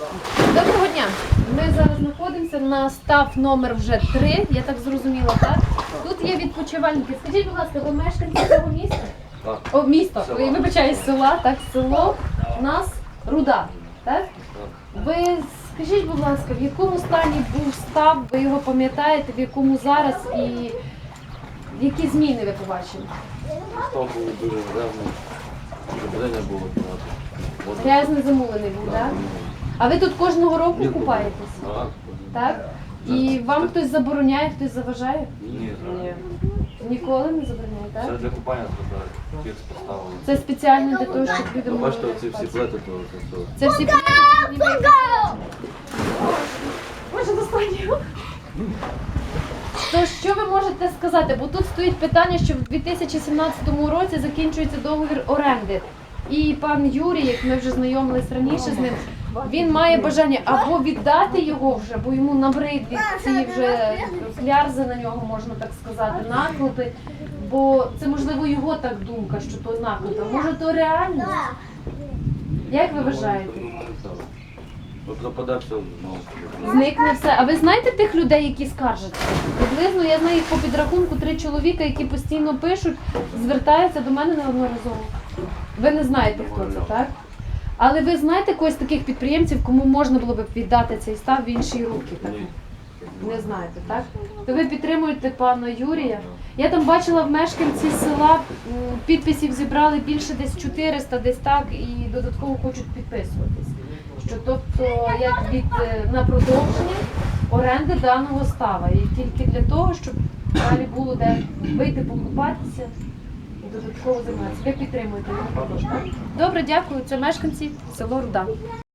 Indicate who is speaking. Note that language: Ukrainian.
Speaker 1: Доброго дня! Ми зараз знаходимося на став номер вже 3, я так зрозуміла, так? Тут є відпочивальники. Скажіть, будь ласка, ви мешканці цього міста?
Speaker 2: Так.
Speaker 1: О, місто.
Speaker 2: Села.
Speaker 1: Ой, вибачаю, села, так, село у нас Руда, так? Ви скажіть, будь ласка, в якому стані був став, ви його пам'ятаєте, в якому зараз і які зміни ви побачили?
Speaker 2: Став був дуже грязний, забрання було багато.
Speaker 1: Грязний замулений був, так? А ви тут кожного року купаєтесь?
Speaker 2: Так.
Speaker 1: Так? І вам хтось забороняє, хтось заважає?
Speaker 2: Ні.
Speaker 1: Ніколи не забороняє,
Speaker 2: Це
Speaker 1: так?
Speaker 2: для купання зробили. Фікс поставили.
Speaker 1: Це спеціально для того, щоб люди
Speaker 2: Ви
Speaker 1: могли
Speaker 2: бачите, оці всі
Speaker 1: купатися.
Speaker 2: плити, то все.
Speaker 1: Це всі Може, достатньо? То що ви можете сказати? Бо тут стоїть питання, що в 2017 році закінчується договір оренди. І пан Юрій, як ми вже знайомились раніше з ним, він має бажання або віддати його вже, бо йому набрид від цієї вже клярзи на нього, можна так сказати, наклепи. Бо це, можливо, його так думка, що то наклепи. Може, то реальність? Як ви вважаєте?
Speaker 2: Пропаде все знову.
Speaker 1: Зникне все. А ви знаєте тих людей, які скаржаться? Приблизно я знаю їх по підрахунку 3 чоловіка, які постійно пишуть, звертаються до мене неодноразово. Ви не знаєте, хто це, так? Але ви знаєте когось таких підприємців, кому можна було б віддати цей став в інші руки? Так?
Speaker 2: Ні.
Speaker 1: Не знаєте, так? То ви підтримуєте пана Юрія. Я там бачила в мешканці села, підписів зібрали більше десь 400, десь так, і додатково хочуть підписуватись. Що тобто як на продовження оренди даного става. І тільки для того, щоб далі було де вийти покупатися і додатково займатися. Ви підтримуєте його також, так? Добре, дякую. Це мешканці село Руда.